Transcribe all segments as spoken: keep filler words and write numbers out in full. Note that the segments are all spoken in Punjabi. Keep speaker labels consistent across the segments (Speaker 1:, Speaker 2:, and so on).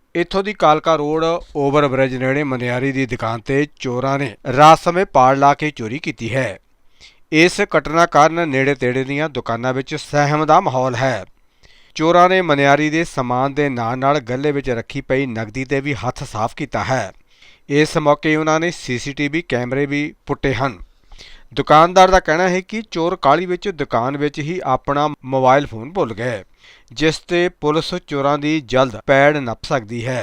Speaker 1: ਇੱਥੋਂ ਦੀ ਕਾਲਕਾ ਰੋਡ ਓਵਰ ਬ੍ਰਿਜ ਨੇੜੇ ਮਨਿਆਰੀ ਦੀ ਦੁਕਾਨ ਤੇ ਚੋਰਾਂ ਨੇ ਰਾਤ ਸਮੇਂ ਪਾੜ ਲਾ ਕੇ ਚੋਰੀ ਕੀਤੀ ਹੈ। ਇਸ ਘਟਨਾ ਕਾਰਨ ਨੇੜੇ ਤੇੜੇ ਦੀਆਂ ਦੁਕਾਨਾਂ ਵਿੱਚ ਸਹਿਮ ਦਾ ਮਾਹੌਲ ਹੈ। ਚੋਰਾਂ ਨੇ ਮਨਿਆਰੀ ਦੇ ਸਮਾਨ ਦੇ ਨਾਲ ਨਾਲ ਗੱਲੇ ਵਿੱਚ ਰੱਖੀ ਪਈ ਨਕਦੀ ਤੇ ਵੀ ਹੱਥ ਸਾਫ਼ ਕੀਤਾ ਹੈ। ਇਸ ਮੌਕੇ ਉਹਨਾਂ ਨੇ ਸੀਸੀਟੀਵੀ ਕੈਮਰੇ ਵੀ ਪੁੱਟੇ ਹਨ। ਦੁਕਾਨਦਾਰ ਦਾ ਕਹਿਣਾ ਹੈ ਕਿ ਚੋਰ ਕਾਹਲੀ ਵਿੱਚ ਦੁਕਾਨ ਵਿੱਚ ਹੀ ਆਪਣਾ ਮੋਬਾਈਲ ਫੋਨ ਭੁੱਲ ਗਏ, ਜਿਸ ਤੇ ਪੁਲਿਸ ਚੋਰਾਂ ਦੀ ਜਲਦ ਪੈੜ ਨੱਪ ਸਕਦੀ ਹੈ।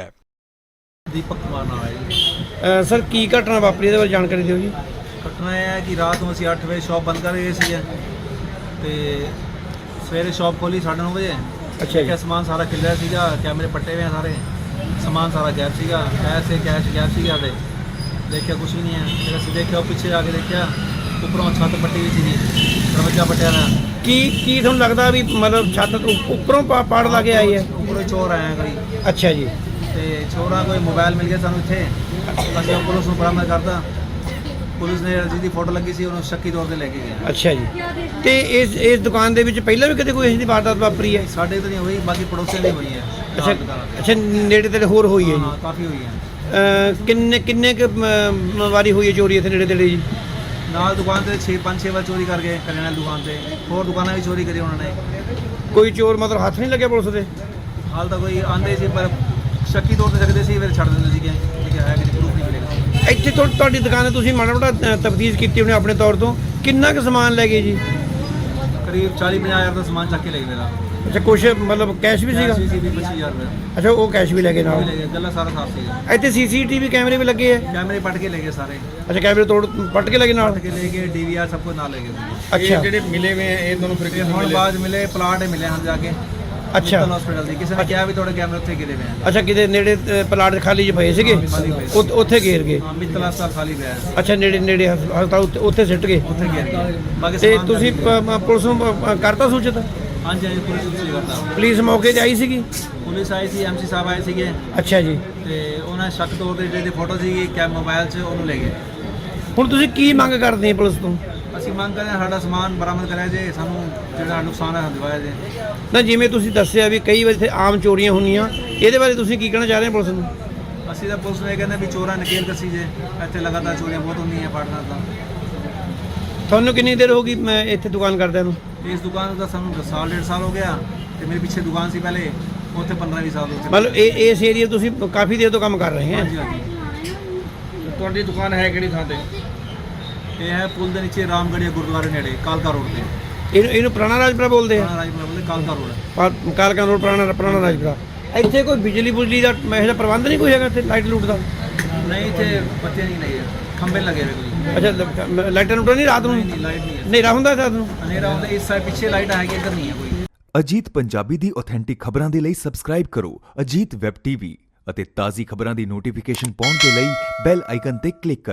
Speaker 2: दीपक कुमार नाम है जी।
Speaker 3: ਸਰ ਕੀ ਘਟਨਾ ਵਾਪਰੀ ਇਹਦੇ ਬਾਰੇ ਜਾਣਕਾਰੀ ਦਿਓ ਜੀ।
Speaker 2: घटना यह है कि रात में ਅਸੀਂ ਅੱਠ ਵਜੇ ਸ਼ਾਪ ਬੰਦ ਕਰ ਗਏ ਸੀ ਤੇ ਸਵੇਰੇ ਸ਼ਾਪ ਖੋਲੀ ਸਾਢੇ ਨੌ ਵਜੇ।
Speaker 3: ਅੱਛਾ ਜੀ।
Speaker 2: ਕਿ ਸਮਾਨ ਸਾਰਾ ਖਿਲ ਰਿਹਾ ਸੀਗਾ, ਕੈਮਰੇ ਪੱਟੇ ਹੋਏ ਸਾਰੇ, ਸਮਾਨ ਸਾਰਾ ਗਾਇਬ ਸੀਗਾ, ਪੈਸੇ ਕੈਸ਼ ਗਾਇਬ ਸੀਗਾ ਤੇ ਦੇਖਿਆ ਕੁਝ ਵੀ ਨਹੀਂ ਹੈ। ਫਿਰ ਅਸੀਂ ਦੇਖਿਆ ਪਿੱਛੇ ਜਾ ਕੇ ਦੇਖਿਆ ਉੱਪਰੋਂ ਛੱਤ ਪੱਟੀ ਹੋਈ ਸੀ, ਦਰਵਾਜ਼ਾ ਪੱਟਿਆ ਹੋਇਆ।
Speaker 3: ਕੀ ਕੀ ਤੁਹਾਨੂੰ ਲੱਗਦਾ ਵੀ ਮਤਲਬ ਛੱਤ ਤੋਂ ਉੱਪਰੋਂ ਪਾ- ਪਾੜ ਲਾ ਕੇ ਆਈ ਹੈ?
Speaker 2: ਉੱਪਰੋਂ ਹੀ ਚੋਰ ਆਇਆ ਕੋਈ
Speaker 3: ਅੱਛਾ ਜੀ।
Speaker 2: ਤੇ ਚੋਰਾਂ ਕੋਈ ਮੋਬਾਈਲ ਮਿਲ ਗਿਆ ਸਾਨੂੰ ਇੱਥੇ। ਅਸੀਂ ਉਹ ਪੁਲਿਸ ਨੂੰ ਬਰਾਮਦ ਕਰਤਾ। ਪੁਲਿਸ ਨੇ ਜਿਹਦੀ ਫੋਟੋ ਲੱਗੀ ਸੀ ਉਹਨੂੰ ਸ਼ੱਕੀ ਤੌਰ ਤੇ ਲੈ ਕੇ ਗਿਆ।
Speaker 3: ਅੱਛਾ ਜੀ। ਤੇ ਇਸ ਇਸ ਦੁਕਾਨ ਦੇ ਵਿੱਚ ਪਹਿਲਾਂ ਵੀ ਕਦੇ ਕੋਈ ਇਹੋ ਜਿਹੀ ਵਾਰਦਾਤ ਵਾਪਰੀ ਹੈ?
Speaker 2: ਸਾਡੇ ਤਾਂ ਨਹੀਂ ਹੋਈ, ਬਾਕੀ ਪੜੋਸੀਆਂ ਦੀ ਹੋਈ ਹੈ।
Speaker 3: ਅੱਛਾ ਅੱਛਾ, ਨੇੜੇ ਤੇੜੇ ਹੋਰ ਹੋਈ ਹੈ
Speaker 2: ਹਾਂ
Speaker 3: ਜੀ?
Speaker 2: ਕਾਫੀ ਹੋਈ ਹੈ।
Speaker 3: ਅਹ ਕਿੰਨੇ ਕਿੰਨੇ ਕੁ ਮ- ਵਾਰੀ ਹੋਈ ਹੈ ਚੋਰੀ ਇੱਥੇ ਨੇੜੇ ਤੇੜੇ ਜੀ?
Speaker 2: ਨਾਲ ਦੁਕਾਨ ਤੇ ਛੇ ਪੰਜ ਛੇ ਵਾਰ ਚੋਰੀ ਕਰ ਗਏ ਕਰਿਆਨੇ ਦੀ ਦੁਕਾਨ ਤੇ, ਹੋਰ ਦੁਕਾਨਾਂ ਵੀ ਚੋਰੀ ਕਰੀ ਉਹਨਾਂ ਨੇ।
Speaker 3: ਕੋਈ ਚੋਰ ਮਤਲਬ ਹੱਥ ਨਹੀਂ ਲੱਗਿਆ ਪੁਲਿਸ ਦੇ?
Speaker 2: ਹਾਲ ਤਾਂ ਕੋਈ ਆਂਦੇ ਸੀ ਪਰ ਸ਼ੱਕੀ ਤੌਰ ਤੇ ਸਕਦੇ ਸੀ, ਫਿਰ ਛੱਡ ਦਿੰਦੇ ਸੀਗੇ ਕਿ ਹੈ ਕਿ ਪ੍ਰੂਫ ਨਹੀਂ ਮਿਲੇਗਾ।
Speaker 3: ਇੱਥੇ ਤੁਹਾ- ਤੁਹਾਡੀ ਦੁਕਾਨ ਤੇ ਤੁਸੀਂ ਮਾੜਾ ਮੋਟਾ ਤਫਤੀਸ਼ ਕੀਤੀ ਹੋਣੀ ਆਪਣੇ ਤੌਰ ਤੋਂ, ਕਿੰਨਾ ਕੁ ਸਮਾਨ ਲੈ ਗਏ ਜੀ?
Speaker 2: ਕਰੀਬ ਚਾਲੀ ਪੰਜਾਹ ਹਜ਼ਾਰ ਦਾ ਸਮਾਨ ਚੱਕ ਕੇ ਲੈ ਗਏ ਮੇਰਾ।
Speaker 3: ਅੱਛਾ, ਕੁਛ ਮਤਲਬ ਕੈਸ਼ ਵੀ ਸੀਗਾ?
Speaker 2: ਸੀ ਸੀ ਵੀ ਪੱਚੀ ਹਜ਼ਾਰ ਰੁਪਏ
Speaker 3: ਅੱਛਾ, ਉਹ ਕੈਸ਼ ਵੀ ਲੈ ਗਏ
Speaker 2: ਉਹ ਵੀ
Speaker 3: ਨਾਲ?
Speaker 2: ਲੈ ਗਏ, ਗੱਲਾਂ ਸਾਰਾ ਸਾਫ ਸੀਗਾ।
Speaker 3: ਇੱਥੇ ਸੀਸੀਟੀਵੀ ਕੈਮਰੇ ਵੀ ਲੱਗੇ ਆ?
Speaker 2: ਕੈਮਰੇ ਪੱਟ ਕੇ ਲੈ ਗਏ ਸਾਰੇ,
Speaker 3: ਅੱਛਾ, ਕੈਮਰੇ ਤੋੜ ਪੱਟ ਕੇ ਲੱਗੇ ਨਾਲ?
Speaker 2: ਪੱਟ ਕੇ ਲੈ ਗਏ, ਡੀਵੀਆਰ ਸਭ ਕੁਝ ਨਾਲ ਲੈ ਗਏ।
Speaker 3: ਅੱਛਾ
Speaker 4: ਜਿਹੜੇ ਮਿਲੇ ਹੋਏ ਆ ਇਹ ਦੋਨੋਂ ਫਿਰ
Speaker 2: ਤੇ ਹੁਣ ਬਾਅਦ ਮਿਲੇ ਪਲਾਟ ਮਿਲੇ ਹਨ ਜਾ ਕੇ
Speaker 3: ਅੱਛਾ
Speaker 2: ਹਸਪੀਟਲ ਦੀ। ਕਿਸੇ ਨੇ ਕਿਹਾ ਵੀ ਤੁਹਾਡੇ ਕੈਮਰੇ ਉੱਥੇ ਗਿਰੇ ਹੋਏ ਆ।
Speaker 3: ਅੱਛਾ, ਕਿਤੇ ਨੇੜੇ ਅ, ਪਲਾਟ ਖਾਲੀ ਜਿਹੇ ਪਏ ਸੀਗੇ,
Speaker 2: ਖਾਲੀ ਪਏ ਸੀ।
Speaker 3: ਉੱਥੇ- ਉੱਥੇ ਘੇਰ ਗਏ?
Speaker 2: ਹਾਂ ਮਿੱਤਲ ਹਸਪਤਾਲ ਖਾਲੀ ਪਿਆ ਹੈ,
Speaker 3: ਅੱਛਾ, ਨੇੜੇ ਨੇੜੇ ਹਸ- ਹਸਪਤਾਲ ਉੱਥੇ ਉੱਥੇ ਸਿੱਟ ਗਏ?
Speaker 2: ਉੱਥੇ ਗਿਰ ਗਏ। ਬਾਕੀ
Speaker 3: ਤੇ
Speaker 2: ਸਮਾਨ
Speaker 3: ਤੁਸੀਂ
Speaker 2: ਚੱਲ
Speaker 3: ਪ- ਮ- ਪੁਲਿਸ ਨੂੰ ਅ, ਕਰਤਾ ਸੂਚਿਤ?
Speaker 2: ਹਾਂਜੀ ਹਾਂਜੀ ਪੁਲਿਸ ਨੂੰ ਕਰਦਾ।
Speaker 3: ਪੁਲਿਸ ਮੌਕੇ ਤੇ ਆਈ ਸੀਗੀ?
Speaker 2: ਪੁਲਿਸ ਆਈ ਸੀ, ਐਮਸੀ ਸਾਹਿਬ ਆਏ ਸੀਗੇ
Speaker 3: ਅੱਛਾ ਜੀ।
Speaker 2: ਤੇ ਉਹਨਾਂ ਸ਼ੱਕ ਤੌਰ ਤੇ ਜਿਹੜੀ ਫੋਟੋ ਸੀਗੀ ਕੈਮ ਮੋਬਾਈਲ 'ਚ ਉਹਨੂੰ ਲੈ ਗਏ।
Speaker 3: ਹੁਣ ਤੁਸੀਂ ਕੀ ਮੰਗ ਕਰਦੇ ਹੋ ਪੁਲਿਸ ਤੋਂ?
Speaker 2: ਅਸੀਂ ਮੰਗ ਕਰਦੇ ਹਾਂ ਸਾਡਾ ਸਮਾਨ ਬਰਾਮਦ ਕਰਿਆ ਜੇ, ਸਾਨੂੰ ਜਿਹੜਾ ਨੁਕਸਾਨ ਹੈ ਦਿਵਾਇਆ ਜੇ।
Speaker 3: ਨਾ ਜਿਵੇਂ ਤੁਸੀਂ ਦੱਸਿਆ ਵੀ ਕਈ ਵਾਰ ਇੱਥੇ ਆਮ ਚੋਰੀਆਂ ਹੁੰਦੀਆਂ, ਇਹਦੇ ਬਾਰੇ ਤੁਸੀਂ ਕੀ ਕਹਿਣਾ ਚਾਹ ਰਹੇ ਹੋ ਪੁਲਿਸ ਨੂੰ?
Speaker 2: ਅਸੀਂ ਤਾਂ ਪੁਲਿਸ ਨੂੰ ਇਹ ਕਹਿੰਦੇ ਵੀ ਚੋਰਾਂ ਨਕੇਲ ਕੱਸੀ ਜੇ, ਇੱਥੇ ਲਗਾਤਾਰ ਚੋਰੀਆਂ ਬਹੁਤ ਹੁੰਦੀਆਂ ਪਾਟਨਾ ਤਾਂ।
Speaker 3: ਤੁਹਾਨੂੰ ਕਿੰਨੀ ਦੇਰ ਹੋ ਗਈ ਮੈਂ ਇੱਥੇ ਦੁਕਾਨ ਕਰਦਿਆਂ ਨੂੰ?
Speaker 2: ਇਸ ਦੁਕਾਨ ਦਾ ਸਾਨੂੰ ਸਾਲ ਡੇਢ ਸਾਲ ਹੋ ਗਿਆ ਤੇ ਮੇਰੇ ਪਿੱਛੇ ਦੁਕਾਨ ਸੀ ਪਹਿਲੇ, ਉੱਥੇ ਪੰਦਰਾਂ ਵੀਹ ਸਾਲ ਉੱਥੇ।
Speaker 3: ਮਤਲਬ ਇਹ ਇਸ ਏਰੀਆ ਤੁਸੀਂ ਕਾਫੀ ਦੇਰ ਤੋਂ ਕੰਮ ਕਰ ਰਹੇ
Speaker 2: ਹਾਂਜੀ
Speaker 3: ਹੈ?
Speaker 2: ਹਾਂਜੀ।
Speaker 4: ਤੁਹਾਡੀ ਦੁਕਾਨ ਹੈ ਕਿਹੜੀ ਥਾਂ ਤੇ?
Speaker 2: ਇਹ ਹੈ ਪੁਲ ਦੇ ਨੀਚੇ ਰਾਮਗੜੀਆ ਗੁਰਦੁਆਰੇ ਨੇੜੇ ਕਾਲਕਾ ਰੋਡ ਤੇ।
Speaker 3: ਇਹਨੂੰ ਇਹਨੂੰ ਪੁਰਾਣਾ ਰਾਜਪੁਰਾ ਬੋਲਦੇ ਆ?
Speaker 2: ਪੁਰਾਣਾ ਰਾਜਪੁਰਾ ਬੋਲਦੇ ਕਾਲਕਾ ਰੋਡ ਹੈ।
Speaker 3: ਪਾ- ਕਾਲਕਾ ਰੋਡ ਪੁਰਾਣਾ ਪੁਰਾਣਾ ਰਾਜਪੁਰਾ। ਇੱਥੇ ਕੋਈ ਬਿਜਲੀ ਬੁਜਲੀ ਦਾ ਮੈਂ ਇਹਦਾ ਪ੍ਰਬੰਧ ਨਹੀਂ ਕੋਈ ਹੈਗਾ ਇੱਥੇ, ਲਾਈਟ ਲੂਟ ਦਾ?
Speaker 2: ਨਹੀਂ ਇੱਥੇ ਬੱਤੀ ਨਹੀਂ ਲੱਗੇ, ਖੰਭੇ ਲੱਗੇ ਹੋਏ ਕੋਈ।
Speaker 3: ਅੱਛਾ, ਲ- ਲਾਈਟਾਂ ਲੂਟਾਂ ਨਹੀਂ ਰਾਤ ਨੂੰ?
Speaker 2: ਨਹੀਂ ਨਹੀਂ ਲਾਈਟ ਨਹੀਂ ਹੈ,
Speaker 3: ਹਨੇਰਾ ਹੁੰਦਾ ਰਾਤ ਨੂੰ?
Speaker 2: ਹਨੇਰਾ ਹੁੰਦਾ। ਇਸ ਸਾਈਡ ਪਿੱਛੇ ਲਾਈਟ ਹੈਗੀ, ਇੱਧਰ ਨਹੀਂ ਹੈ ਕੋਈ।
Speaker 5: ਅਜੀਤ ਪੰਜਾਬੀ ਦੀ ਆਥੈਂਟਿਕ ਖਬਰਾਂ ਦੇ ਲਈ ਸਬਸਕ੍ਰਾਈਬ ਕਰੋ ਅਜੀਤ ਵੈਬ ਟੀਵੀ ਅਤੇ ਤਾਜ਼ੀ ਖਬਰਾਂ ਦੀ ਨੋਟੀਫਿਕੇਸ਼ਨ ਪਾਉਣ ਦੇ ਲਈ ਬੈਲ ਆਈਕਨ ਤੇ ਕਲਿੱਕ ਕਰੋ।